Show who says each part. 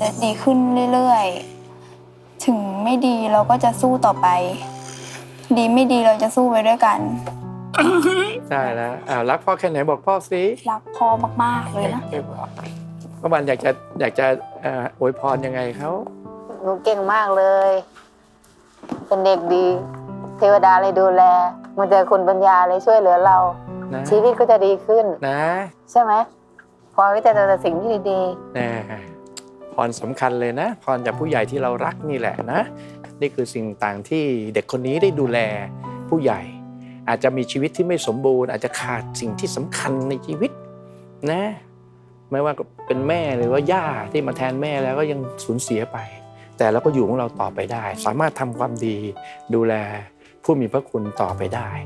Speaker 1: ดีขึ้นเรื่อยๆถึงไม่ดีเราก็จะสู้ต่อไปดีไม่ดีเราจะสู้ไปด้วยกัน
Speaker 2: ได้แล้วรักพ่อแค่ไหนบอกพ่อสิ
Speaker 1: รักพ่อมากๆเลยนะ
Speaker 2: ป้าบันอยากจะอวยพรยังไงเขา
Speaker 3: หนูเก่งมากเลยเป็นเด็กดีเทวดาเลยดูแลมันเจอคุณปัญญาเลยช่วยเหลือเรานะชีวิตก็จะดีขึ้น
Speaker 2: นะ
Speaker 3: ใช่ไหมพอวิจารณ์แต่สิ่งที่ดี
Speaker 2: ๆนะพรสำคัญเลยนะพรจากผู้ใหญ่ที่เรารักนี่แหละนะนี่คือสิ่งต่างที่เด็กคนนี้ได้ดูแลผู้ใหญ่อาจจะมีชีวิตที่ไม่สมบูรณ์อาจจะขาดสิ่งที่สำคัญในชีวิตนะไม่ว่าเป็นแม่หรือว่าย่าที่มาแทนแม่แล้วก็ยังสูญเสียไปแต่เราก็อยู่ของเราต่อไปได้สามารถทำความดีดูแลผู้มีพระคุณต่อไปได้